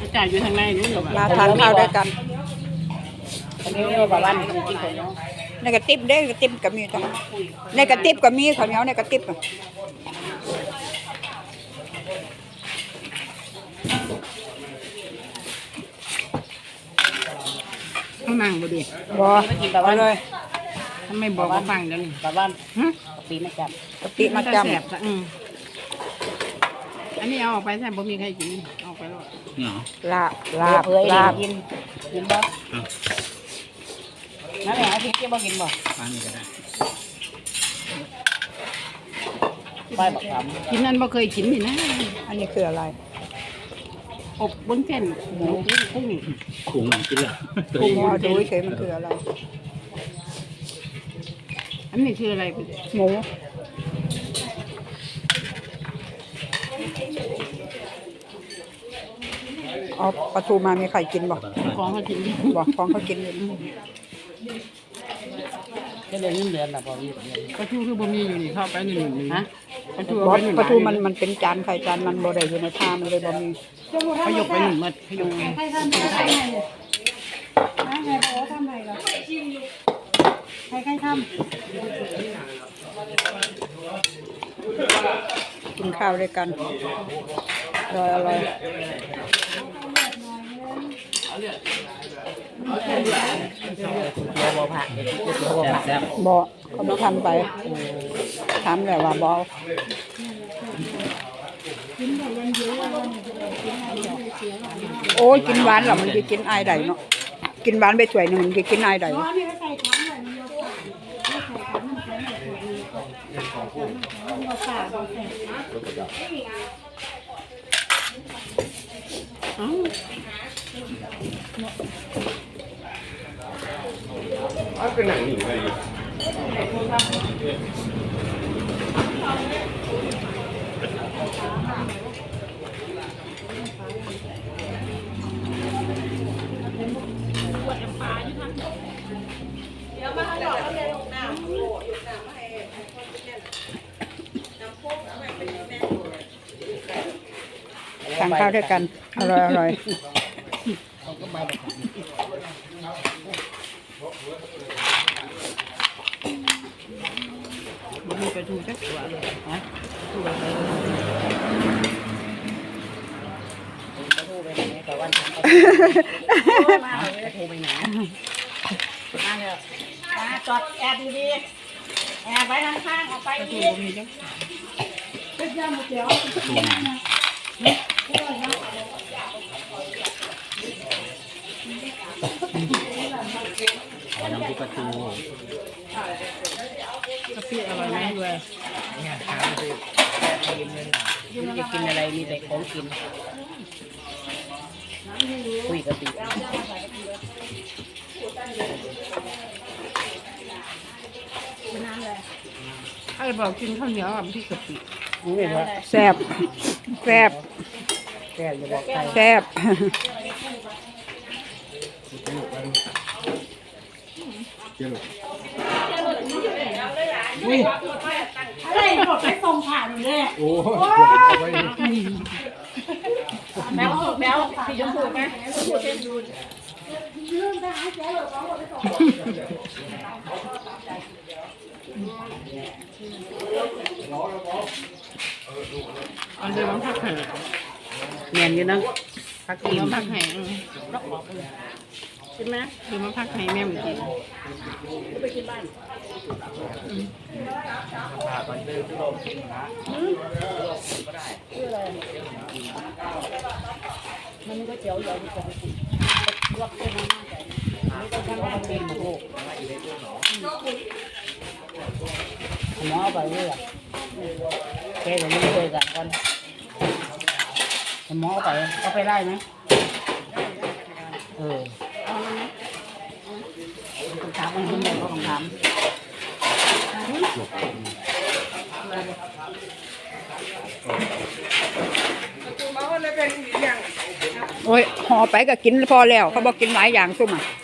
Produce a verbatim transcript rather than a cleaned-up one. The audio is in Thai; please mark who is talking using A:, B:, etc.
A: จ่ายอยู่ทางในนู้นเหรอ
B: มาทานข้าวด้วยกัน
A: อันนี้เรียกว่าบ้านกินคนเนาะ
B: ในกระติบเด้กระติบก็มีจ้ะในกระติบก็มีข้าวเหนียวในกระติบอ่ะ
A: ข้างนั่งบ่ดี
B: บ่เอาเลย
A: ทำไมบอกว่าฟังเดี๋ยวนี้บ้านบ้านปีมาจับ
B: กะปิมาจ
A: แสบอืมอันนี้เอาออกไปแซ่บบ่มีใครกินเอาไปแล้ว
C: เนาะ
B: ำลาบลาบ
A: เอ้ย
B: ลาบ
A: กินกินบ่นั่นแหละอาทิตย์ที่บ่กินบ่
C: ฟังนี่ก็ได้
A: ไปบักคำกินนั่นบ่เคยกินนี่นะ
B: อันนี้คืออะไร
A: อบบนเส้นหมูกุ้ง
C: ขุงกินเหรอ
B: กุ้งเอาดูเฉยมันคืออะไร
A: อันนี้คืออะไร
B: หมูเอาปลาทูมามีใครกินบ่
A: ของเขากิน
B: บอกของเขากินอยู่
A: ก็เลยเงินเดือนน่ะพอมีปลาทูคือบ่มีอยู่นี่เข้าไปนี่นี่ฮะปลาทู
B: บอ
A: เอา
B: ส
A: ไปหนึ่ง
B: ปลาทูมันมันเป็นจานไข่จานมันบ่ได้อยู่ในผ้ามันเลยบ่มี
A: เขายกไปหนึ่งมัดเขายกไป
D: ใครทำใครทำไงเนี่ยนะใครบอกว่าทำไงเหรอใครใครท
B: กินข้าวด้วยกันอร่อยอร่อย
A: บ่บ่ผักบ่ผัก
C: แซ่บ
B: บ่เขาไม่ทำไปทำแต่ว่าบ่โอ้ยกินหวานเหรอมันจะกินอายใดเนาะกินหวานไปถ้วยหนึงมันจะกินอายใด
D: ำอ๋อนี่ก็ใส่ถังเลยมันเราฝาไม่ใส่ถังน้ำแข็งแบบนี้มันเราฝาเราใส่
A: อ้าว
B: ทานข้าวด้วยกันอร่อยอร่อย
A: บ่มีปลาทูจักตัวเลยฮะตัวไปปลาทูไปไหนแต่วันทำปลาทูมาเลยปลาทูไปไหนมาเลยมาจอดแอบดีๆแอบไว้ข้างๆออกไปอีกมีจัง
D: เป็นยำหมูเตี๋ยว
C: ตัวไหนเอาน้ำพริกปลาทู
A: กะปิอร่อยไหมด้วย
C: เนี่ยทานไป
A: มันจะกินอะไรมีแต่ของกินคุยกะปิไอ้บอกกินข้าวเหนียวกับพี่กะปินี่เหรอ
B: แซ่บแซ่บ
A: แกจะบอกใคร
B: แซ่บ
A: อุ้ย
D: อะไรหมดไปส่งผ่านอยู่เลย
C: โอ้
A: แมวแมวพี่ยมพูดไหม
D: เรื่องทหารแจ๋วสองหมดไปส่ง
A: อันเดียวมันพักไห่แมนอยู่นะพักกินมันพักไห่ใช่ไหมคือมันพักไห่แม่เหมือนกินไปกินบ้านมันก็เจียวอยู่ดีกว่าลวกเป็นน้ำใจไม่ต้องทำให้เป็นโอ้หมอไปเลยอ่ะแกจะไม่เคยกันก่อนหมอไปเขาไปไล่ไหมเออคำถามมันเป็นแบบคำถาม
B: โอ้ยห่อไปก็กินพอแล้วเขาบอกกินหลายอย่างซุ่มอ่ะ